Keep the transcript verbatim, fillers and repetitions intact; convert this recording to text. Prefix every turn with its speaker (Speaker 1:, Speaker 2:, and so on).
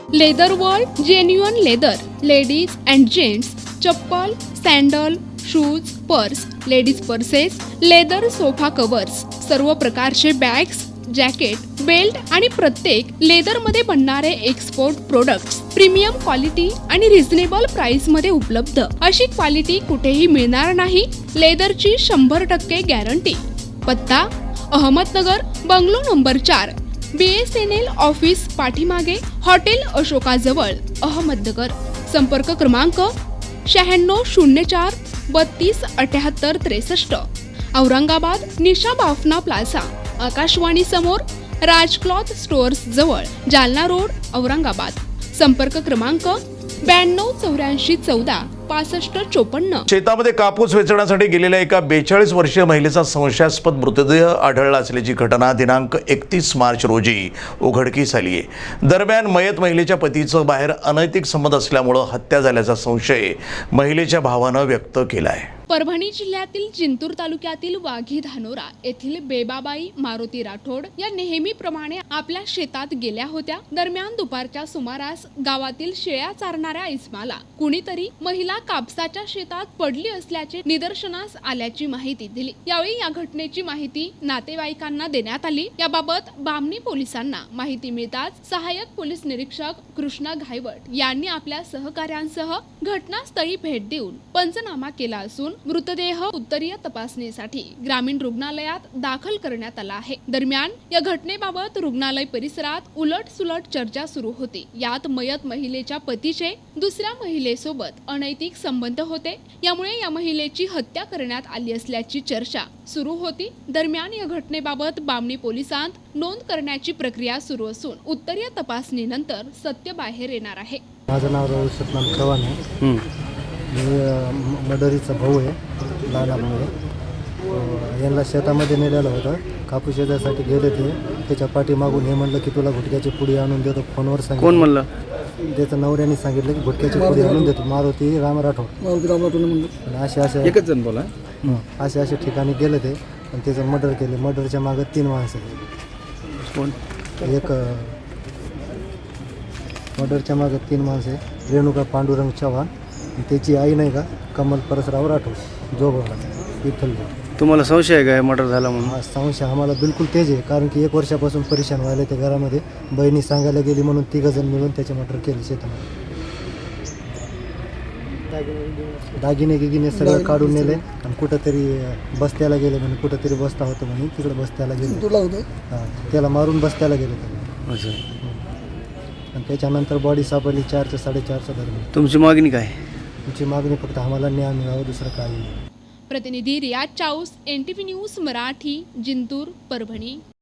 Speaker 1: Leather world genuine leather ladies and gents chappal, sandal, shoes, purse, ladies purses, leather sofa covers, सर्व प्रकारचे bags, jacket, belt आणि प्रत्येक लेदरमध्ये बनणारे एक्सपोर्ट प्रोडक्ट्स प्रीमियम क्वालिटी आणि reasonable price मध्ये उपलब्ध. अशी क्वालिटी कुठेही मिळणार नाही. लेदरची शंभर टक्के गॅरंटी. पत्ता अहमदनगर, बंगलो नंबर चार, B S N L office पाठीमागे, हॉटेल अशोकाजवळ, अहमदनगर. संपर्क क्रमांक शहाण्णव शून्य चार बत्तीस अठ्याहत्तर त्रेसष्ट. औरंगाबाद निशा बाफना प्लाझा, आकाशवाणी समोर, राज क्लॉथ स्टोअर्स जवळ, जालना रोड, औरंगाबाद. संपर्क क्रमांक ब्याण्णव चौऱ्याऐंशी चौदा पासष्ट चोपन्न.
Speaker 2: शेतामध्ये कापूस वेचण्यासाठी गेलेल्या एका बेचाळीस वर्षीय महिलेचा संशयास्पद मृतदेह आढळला असल्याची घटना दिनांक एकतीस मार्च रोजी उघडकीस आली आहे. दरम्यान मयत महिलेच्या पतीचं बाहेर अनैतिक संबंध असल्यामुळं हत्या झाल्याचा संशय महिलेच्या भावानं व्यक्त केला आहे.
Speaker 1: परभणी जिल्ह्यातील जिंतूर तालुक्यातील वाघी धानोरा येथील बेबाबाई मारुती राठोड या नेहमीप्रमाणे आपल्या शेतात गेल्या होत्या. दरम्यान दुपारच्या सुमारास गावातील शेळ्या चारणाऱ्या इस्माला कुणीतरी महिला कापसाच्या शेतात पडली असल्याचे निदर्शनास आल्याची माहिती दिली. यावेळी या घटनेची माहिती नातेवाईकांना देण्यात आली. याबाबत बामणी पोलिसांना माहिती मिळताच सहाय्यक पोलीस निरीक्षक कृष्णा घायवट यांनी आपल्या सहकाऱ्यांसह घटनास्थळी भेट देऊन पंचनामा केला असून मृतदेह उत्तरीय तपासणीसाठी ग्रामीण रुग्णालयात दाखल करण्यात आला आहे. दरम्यान या घटनेबाबत रुग्णालय परिसरात उलट सुलट चर्चा सुरू होती. यात मयत महिलेच्या पतीचे दुसऱ्या महिलेसोबत अनैतिक संबंध होते. यामुळे या महिलेची हत्या करण्यात आली असल्याची चर्चा सुरू होती. दरम्यान या घटनेबाबत बामणी पोलिसांत नोंद करण्याची प्रक्रिया सुरू असून उत्तरीय तपासणीनंतर सत्य बाहेर येणार आहे.
Speaker 3: माझं नाव रवी सतनाम चव्हाण आहे. मी मडरीचा भाऊ आहे, लहान भाऊ. यांना शेतामध्ये नेलेलं होतं. कापूस शेतासाठी गेले ते. त्याच्या पाठीमागून हे म्हणलं की तुला गुटख्याची पुडी आणून देतो. फोनवर सांगितलं. कोण म्हणलं? त्याचं नवऱ्याने सांगितलं की गुटख्याची पुडी आणून देतो. मारुती राम राठोड. मारुती राम राठोड म्हणलं. असे असे एकच जण बोला. असे असे ठिकाणी गेले ते आणि त्याचं मर्डर केले. मर्डरच्या मागं तीन माणसं. कोण? एक मर्डरच्या मागं तीन माणसं आहे. रेणुका पांडुरंग चव्हाण, त्याची आई नाही का कमल परसराव राठोड, जोगोला विठ्ठल. तुम्हाला संशय आहे का मर्डर झाला म्हणून? हा, संशय आम्हाला बिलकुल तेच आहे. कारण की एक वर्षापासून परेशान व्हायला ते घरामध्ये. बहिणी सांगायला गेली म्हणून तिघं जण मिळून त्याचे मर्डर केले शेतामध्ये. दागिने गिगिने सगळं काढून नेले आणि कुठंतरी बस्त्याला गेले म्हणे. कुठंतरी बस्ता होतं म्हणे, तिकडे बस्त्याला गेले. तुला होतं? हां, त्याला मारून बस्त्याला गेले त्याला. आणि त्याच्यानंतर बॉडी सापडली चारच्या साडेचारच्या दरम्यान. तुमची मागणी काय? तुमची मागणी फक्त आम्हाला न्याय मिळावा, दुसरं काही.
Speaker 1: प्रतिनिधी Riyaz Chaus, N T V news Marathi, Jintur, Parbhani.